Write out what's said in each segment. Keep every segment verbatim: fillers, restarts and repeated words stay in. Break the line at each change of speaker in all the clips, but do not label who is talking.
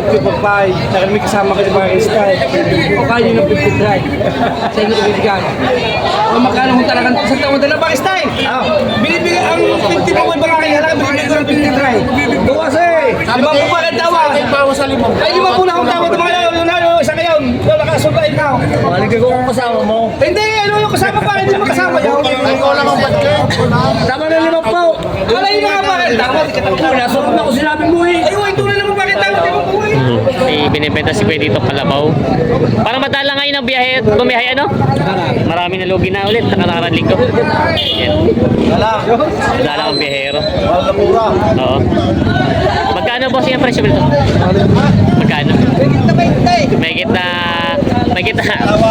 fifty for five. Saka may kasama ka sa mga style. O kaya yun ang fifty-three. Sa inyo ibibigay. O magkano kung talagang sa taon na mga style? Binibigay ang fifty po may mga kaya lang binibigay ko ng fifty-three. Bukas eh. Lima po pa ng tawa. Ay lima po na akong tawa. Mga yun na yun. Isa ngayon. Yung nakasubay na.
Maligay ko kung kasama mo.
Hindi. Ano yung kasama pa? Hindi mo kasama yun.
Ay, ko lang ang budget.
Tama na lima po. Alay na nga bakit? Tama. Nasunod na ko sinabi mo eh. Ay, ito na naman bakit tama. Di mo po eh.
May binibenta si Kuya dito Kalabaw. Para madala ngayon ang biyahe at bumiyahe ano? Marami na lugi na ulit. Nakararan linggo. Yan. Madala ang biyahero. Oo. Magkano boss yung presyo nito? Magkano? May kita may kita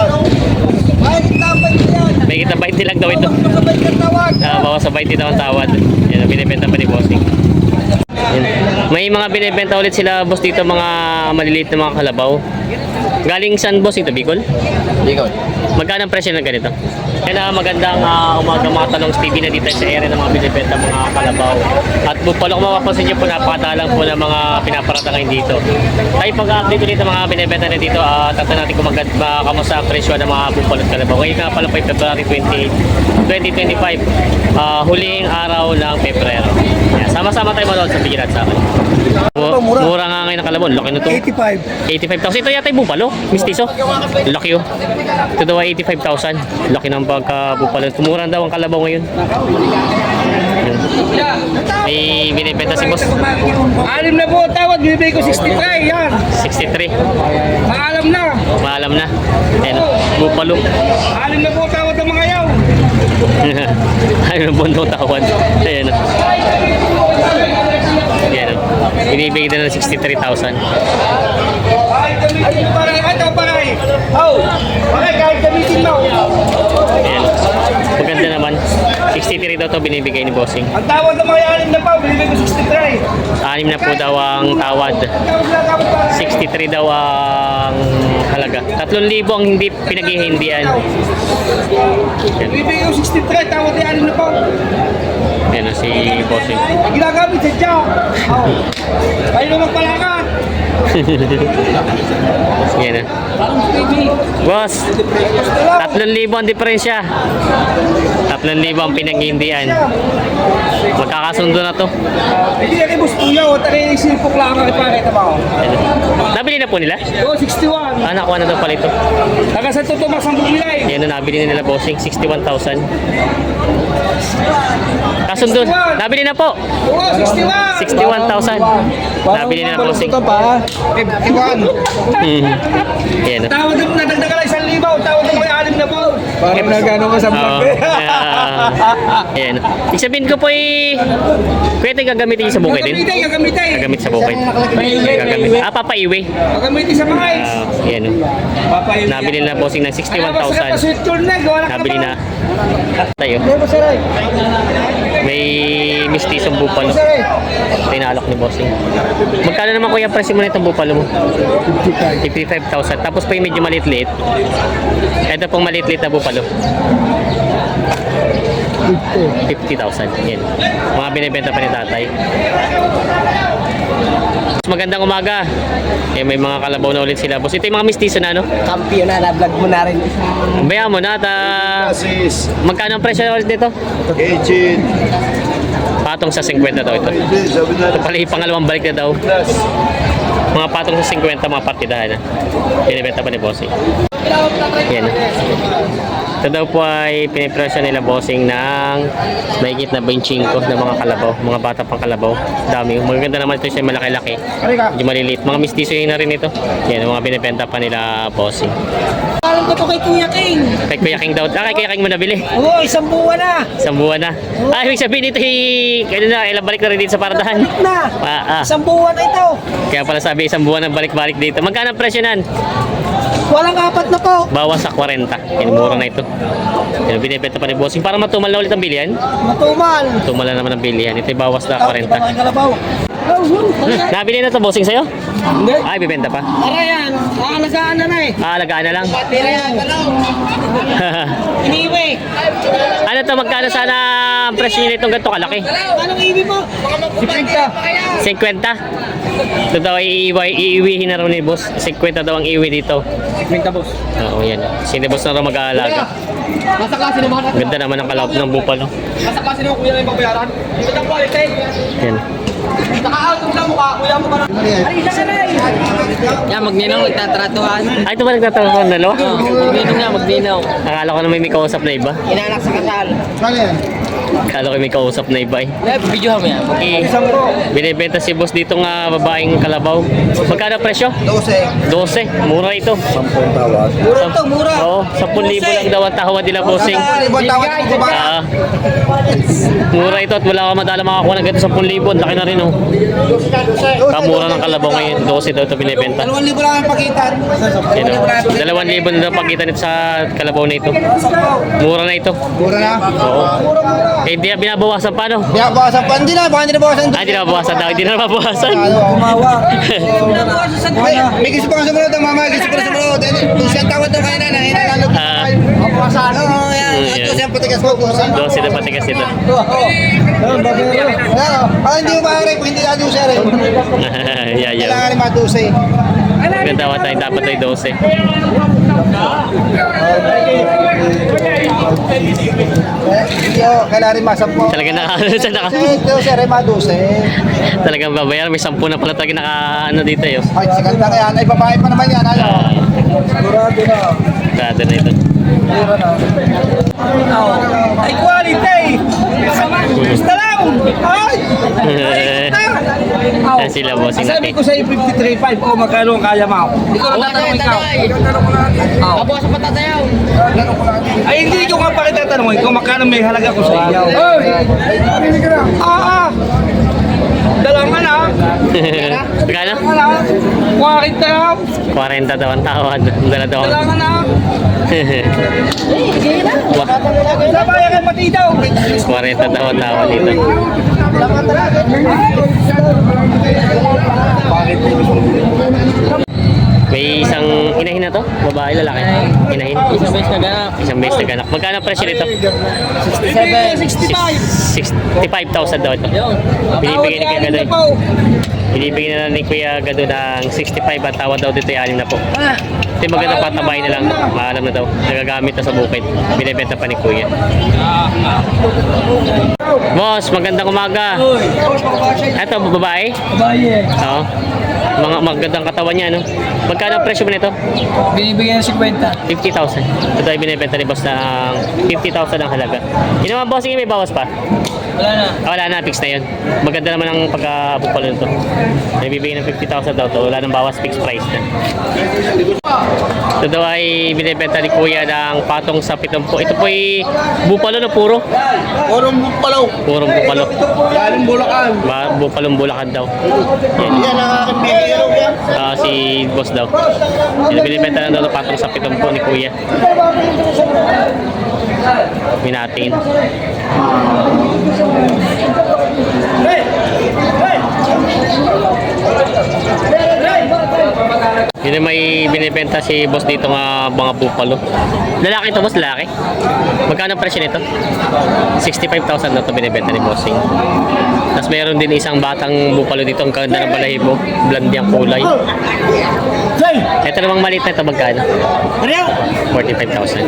may kita twenty lang daw ito. Uh, bawas sa twenty daw ang tawad. Yan, binibenta pa ni bossing. Yan. May mga binibenta ulit sila boss dito, mga maliliit na mga kalabaw. Galing saan boss ito? Bicol?
Bicol.
Magkano ang presyo ng ganito? Kaya magandang uh, umaga mga talong T V na dito sa area ng mga binibenta mga kalabaw. At bupalo kung mapapansin nyo po, napakatalang po ng mga pinaparata ngayon dito. Tayo pag-update ulit ng mga binibenta na dito at uh, natin kung maganda kamusta ang presyo ng mga bupalo at kalabaw. Ngayon nga pala po ay February twentieth, twenty twenty-five, uh, huling araw ng Pebrero. Yeah, sama-sama tayo manood sa bigyan at sa akin. Mura. Mura nga ngayon ang kalabaw. Laki na ito.
eighty-five.
eighty-five thousand. Ito yata yung bupalo. Mistiso. Laki oh. Ito daw ay eighty-five thousand. Laki ng pagka-bupalo. Tumura daw ang kalabaw ngayon. May binibenta si boss.
Alim na po tawad. Bibigay ko sixty-three. Yan.
sixty-three.
Maalam na.
Maalam na. Ayan oh. Bupalo.
Alim na po tawad ng mga yaw.
Ano na bundong tawad. Ayan oh. Ayan oh. Binibigay na ng sixty-three thousand.
Ay, paray. Ay, ito, paray. Oh, paray, kahit gamitin mo.
Ayan. Maganda naman. sixty-three daw to binibigay ni bossing.
Ang tawad ng mga alim na pa, binibigay ko sixty-three.
Anim na po daw ang tawad. sixty-three daw ang halaga. tatlong libo ang hindi pinaghihindian.
Binibigay ko sixty-three, tawad ng alim na pa.
Ayan na si bossing.
Ginagamit sa jaw. Oh. Ay, naman pala ka.
Ayan na. Boss, tatlong libo ang diferensya. tatlong libo ang pinaghihindian. Magkakasundo na to.
Hindi na kay Boss Puyaw. Tari, silpok lang ang ipakita mo.
Nabili na po nila?
Oh, sixty-one.
Ah, nakuha na daw pala ito.
Taga sa totoo mas ang bumilay.
Ayan na, nabili na nila bossing. sixty-one thousand. Kasundo, nabili na po.
Oo, sixty-one.
sixty-one thousand. Nabili na bossing.
fifty-one.
Hmm. Ayan na.
Tawad na, nadagdagan lang isang libaw. Tawad na may alim na po.
Parang nagano ka sa
Oo. Ah, ayan. Ibig sabihin ko po eh, pwede gagamitin yung sa bukid din?
Gagamitin, gagamitin.
Gagamit sa bukid. Gagamit. Ah, papaiwi.
Gagamitin sa mga ex.
Ah, ayan o.
Papayin.
Nabili na bossing ng sixty-one thousand. Nabili na. Tayo. May mistisong bupalo. Pinalok ni bossing. Magkano naman kuya presyo mo nitong bupalo mo? fifty-five thousand. Tapos pa yung medyo maliit-liit. Ito pong maliit-liit na bupalo. fifty thousand. Yan. Mga binibenta pa ni tatay. Magandang umaga. Eh, may mga kalabaw na ulit sila. Boss, ito yung mga mistiso na ano?
Kampiyon na, na-vlog mo na rin.
Bayan mo na. Ta... Magkano ang presyo ulit dito?
Agent.
Patong sa fifty daw ito. Ito pala yung pangalawang balik na daw. Mga patong sa fifty, mga partidahan na. Binibenta pa ni Bossing. Yan. Ito daw po ay pinipresyo nila bossing ng mahigit na twenty-five na mga kalabaw, mga bata pang kalabaw. Dami. Maganda naman ito siya, malaki-laki. Medyo maliliit. Mga mistiso yun na rin ito. Yan, mga binibenta pa nila bossing.
Alam ko to kay Kuya King.
Kay Kuya King daw. Ah, kay Kuya King mo nabili.
Oo, isang buwan na.
Isang buwan na. Ah, ibig sabihin ito ay, kaya na, ilang balik na rin dito sa paradahan.
Balik na.
Ah, ah.
Isang buwan na ito.
Kaya pala sabi, isang buwan na balik-balik dito. Magkano ang presyo nan?
Walang apat na po.
Bawas sa forty. Yan, mura na ito. Yan, binibenta pa ni bossing. Para matumal na ulit ang bilihan.
Matumal.
Tumal na naman ang bilihan. Ito ay bawas na
Ito,
forty.
iba mga kalabaw.
Nabili na to bossing sa'yo?
Hindi.
Ay, bibenta pa.
Tara yan. Nakalagaan na na eh.
Ah, alagaan na lang.
Tira yan. Iniwi.
Ano to, magkano sana ang presyo nito ganito kalaki?
Anong iwi mo?
fifty? Ito daw ay iiwi, iiwihin na raw ni boss. fifty daw ang iwi dito.
Minta boss.
Oo, yan. Si boss na raw mag-aalaga.
Nasa klase naman.
Ganda naman ang kalawap ng bupalo.
Nasa klase naman kuya na yung pagbayaran. Ito ang quality.
Yan.
Naka-out yung sa mukha. Kuya mo ka na. Ay, isa ka na eh.
Yan, magninong nagtatratuhan.
Ay, ito ba nagtatawag ng dalawa?
Magninong nga, magninong.
Akala ko na may may kausap na iba.
Inanak sa kasal.
Akala ko may kausap na iba eh.
Video mo yan.
Okay. Binibenta si boss dito nga babaeng kalabaw. Magkano presyo?
Dose.
twelve. Mura ito.
Mura to, mura.
Oo, ten libo lang daw ang tawad nila bossing.
Ibang tawad ko ba?
Ah. Mura ito at wala ka madala makakuha ng ganito ten libo. Laki na rin oh. Kamura ng kalabaw ngayon. twelve daw ito binibenta.
Dalawang libo lang ang pagitan.
Yan o. Dalawang libo na daw pagkita nito sa kalabaw na ito. Mura na ito.
Mura na.
Oo. Eh, hindi na binabawasan pa no?
Kaya bawasan pa. Hindi na. Baka hindi na bawasan.
Ah, hindi na bawasan daw. Hindi na mabawasan.
Kumawa. May, may gusto pa kang sumunod ang mama. Gusto pa na sumunod. Kung siya tawad ng kanina na hinalalo.
Ah.
Mabawasan. Oo, yan.
Mm,
Ito
yan.
siyang patigas mo.
twelve na patigas ito.
Ah, hindi mo maaari kung hindi natin siya rin.
Yeah, yeah.
Kailangan lima dose.
Ganda wa tayo. Dapat tayo twelve.
Hindi o, kailangan rin masampo.
Talagang naka, sa naka,
Ito siya rin madose.
talagang babayaran. May sampu na pala talaga naka, ano dito yun.
Ay, si ganda nga yan. Ay, babae pa naman yan. Ano? Sigurado na.
Kada na ito.
Mura na. Ay, quality! Gusto lang! Ay!
Yan sila bossing
Sabi
natin.
ko sa'yo fifty-three point five o magkano ang kaya mo? Ikaw ang tatanong ikaw.
Kabuha sa patatayaw.
Ay, hindi ko nga pa kita tanongin kung magkano may halaga ko sa iyo. Ay! Ah, ah! Dalawang na.
Magkano?
Ano? Wakit na.
forty daw ang tawad. Dala daw.
Dalawang na.
Wah,
Sabaya kay pati daw.
forty daw ang tawad dito. May isang inahin na to? Babae, lalaki? Inahin?
Isang beses na ganap.
Isang beses na ganak. Magkano ang presyo nito?
sixty-seven.
sixty-five.
sixty-five thousand daw ito. Binibigyan ni Kuya Gadoy. Binibigyan na lang ni Kuya Gado ng sixty-five at tawad daw dito ay anim na po. Ito yung maganda patabay na lang. Maalam na daw. Nagagamit na sa bukid. Binibenta pa ni Kuya. Boss, magandang umaga. Ito, babae?
Baye.
Oo. Mga magandang katawan niya, no? Magkano ang presyo mo nito?
Binibigyan ng fifty.
fifty thousand. Ito ay binibenta ni boss ng fifty thousand ang halaga. Yun naman boss, may bawas pa.
Wala na.
Ah, wala na, fix na yun. Maganda naman ang pagka-bukalo nito. Nabibigay ng fifty thousand daw to. Wala nang bawas, fixed price na. Ito daw ay binibenta ni Kuya ng patong sa pitumpo. Ito po ay bupalo na puro.
Orong palaw.
Purong bupalo.
Galing Bulacan.
Ba, bupalong bulakan daw. Yan.
Yan ang aking bigero yan.
Ah, si boss daw. Yan, binibenta na daw ng patong sa pitumpo ni Kuya. Minatin. Yun yung may binibenta si boss dito nga mga bupalo. Lalaki to boss, lalaki. Magkano ang presyo nito? sixty-five thousand na to binibenta ni bossing. Tapos meron din isang batang bupalo dito. Ang ganda ng balahibo. Blondie ang kulay. Ito namang maliit na ito magkano? forty-five thousand.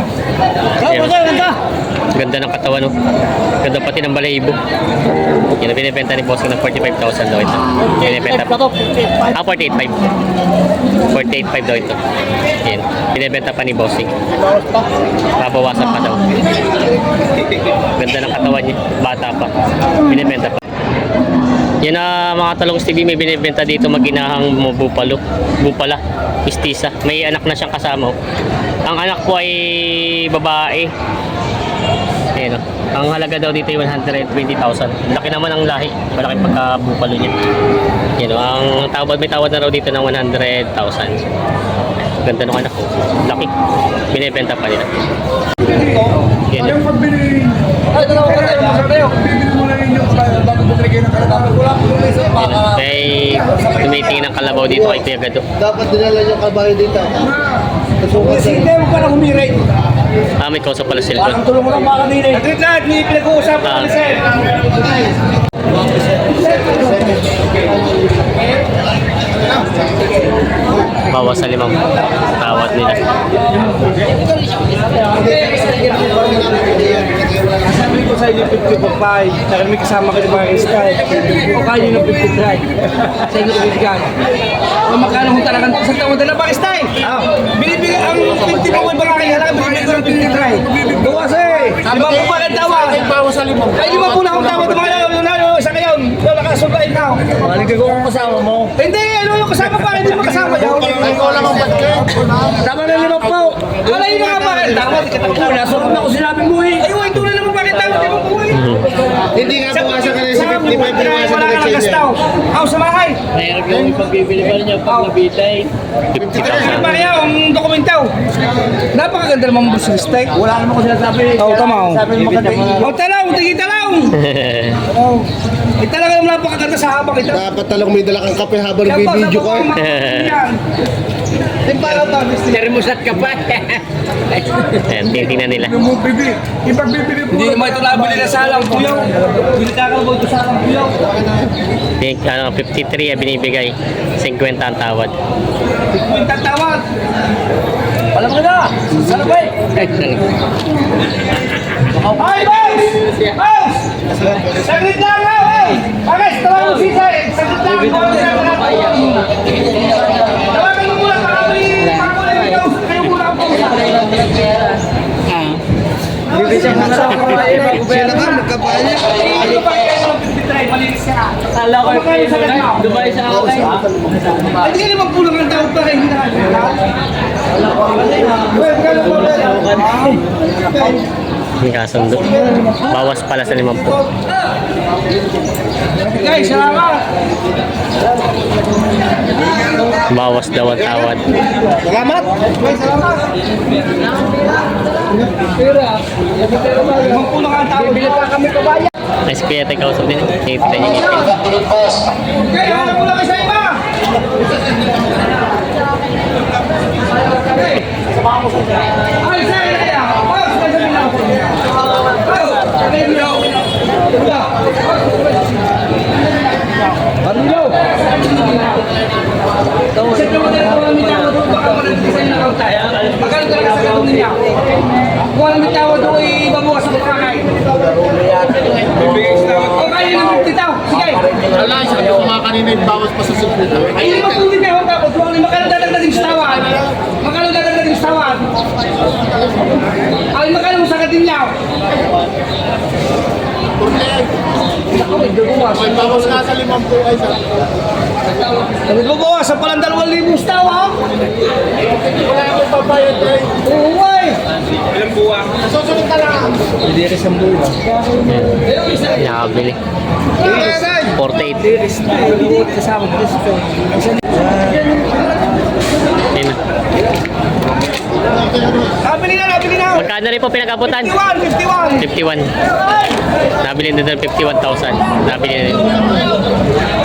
Ganda ng katawan, no? Ganda pati ng balahibo. Yan ang binibenta ni bossing ng forty-five thousand daw ito. Binibenta pa. Ah, forty-eight point five. forty-eight point five daw ito. Yan. Binibenta pa ni bossing. Babawasan pa daw. Ganda ng katawan niya. Bata pa. Binibenta pa. Yan na mga Talong's T V, may binibenta dito maginahang mga bupalo. Bupala. Mistisa. May anak na siyang kasama. Oh. Ang anak po ay babae. Ayan, oh. Ang halaga daw dito ay one hundred twenty thousand. Laki naman ang lahi. Malaki pagka-bupalo niya. Yan, oh. Ang tawad, may tawad na raw dito ng one hundred thousand. Ganda ng anak ko. Laki. Binibenta pa nila. Yan. Oh.
Ay, dalawa ka tayo. Masarap tayo. Bibili mo na ninyo bago bumili kayo ng
May tumitingin ng kalabaw dito kay Kuya Gado.
Dapat dinala yung kabayo dito.
Kasi hindi mo pa na humiray.
Ah, may kausap pala sila doon.
Tulong mo lang mga kanina. At wait lahat, may pinag-uusapan
Ah.
kami sir.
Bawas sa limang tawad nila.
Sabi ko sa inyo fifty pa five, dahil may kasama kayo mga style. O kaya nyo ng fifty-three. Sa inyo ibigay. O magkano kung talagang sa taon na mga style. Binibigay ang fifty pa may barangay halaga, binibigay ko ng fifty-three. Gawas eh. Lima po pa ang tawad. Ay lima po na akong tawad. Mga lalo, isa kayo. Wala ka subayin ka.
Maligay ko kung kasama mo.
Hindi, ano yung kasama pa? Hindi mo kasama yun.
Ikaw lang ang budget.
Tama na lima po. Wala yung mga bakit. Tama, kita ko na. Ako sinabing mo eh. Ayun, ito na naman bakit tama. Di mo po eh.
Hindi nga buwasan ka na sa fifty-five, buwasan
Wala
ka
ka
na
ng gastaw. Ako sa bahay.
Mayroon yung ipagbibili ba niya pag nabitay.
fifty
Ano
thousand.
ba kaya ang dokumentaw? Napakaganda naman mo sa steak. Wala naman ko sinasabi. Oo, tama. Sabi mo maganda. Oh, talaw, tigi talaw. Oh. Eh talaga naman napakaganda sa habang ito.
Dapat talang may dala kang kape habang bibidyo ka.
Timpalaw pa, mister.
Termosat ka pa.
Ayan, titingnan nila.
Hindi naman ito nabili na salang kuyaw. Hindi kakalabaw ito salang kuyaw.
Think, ano, fifty-three ang binibigay. fifty ang tawad.
Yung tatawag. Alam mo na. Sana ba eh? Ay, boss! Boss! Saglit lang nga, eh! Pares, tawag mo si Sir. Saglit lang. Tawagan mo muna para may pangkulay ng ikaw. Kayo muna ang pausa.
Sila ka, magkabayo niya.
Ano pa kayo ng fifty-three? Malinis ka.
Kala ko
Magkano sa ganda?
Dubai sa akin.
Ay, di ka naman pulang ng tawag pa rin. Hindi na ka.
Yung kasundo. Bawas pala sa limampu.
Guys, salamat.
Bawas daw ang tawad.
Salamat. Guys, salamat. Limang pulang ang tawag. Bili pa kami kabayan.
Ay, si Kuya tayo kausap din. Tingnan niyo yung ngipin.
Okay, ano po lang isa iba? Ay, sir, kaya. Boss, nasa bilang. Boss, nasa bilang. Barilo. Kasi kung tayo kung may tawad doon, baka manag-design na kauta. Magkano talaga sa gatong niya? Kung may tawad doon, ibabukas sa pagkakain. O kaya ng fifty tao. Sige.
Wala, sabi ko nga kanina yung bawas pa sa sipit.
Ay, lima po din kayo tapos. Magkano dadagdagan sa tawad? Magkano dadagdagan sa tawad? Ay, magkano sa katinyaw? Ako, may dugumas.
May bawas nga sa limang po ay sa...
Sabi mo po, sa palang dalawang libong sa tawa.
Wala akong pabayad eh.
Oo, ay.
Susunod ka lang.
Ayan, nakabili. forty-eight.
Kasama ko dito.
Ayan na.
Nabili na, nabili na.
Magkano rin po pinag-abutan?
fifty-one, fifty-one.
fifty-one. Nabili na doon fifty-one thousand. Nabili na din.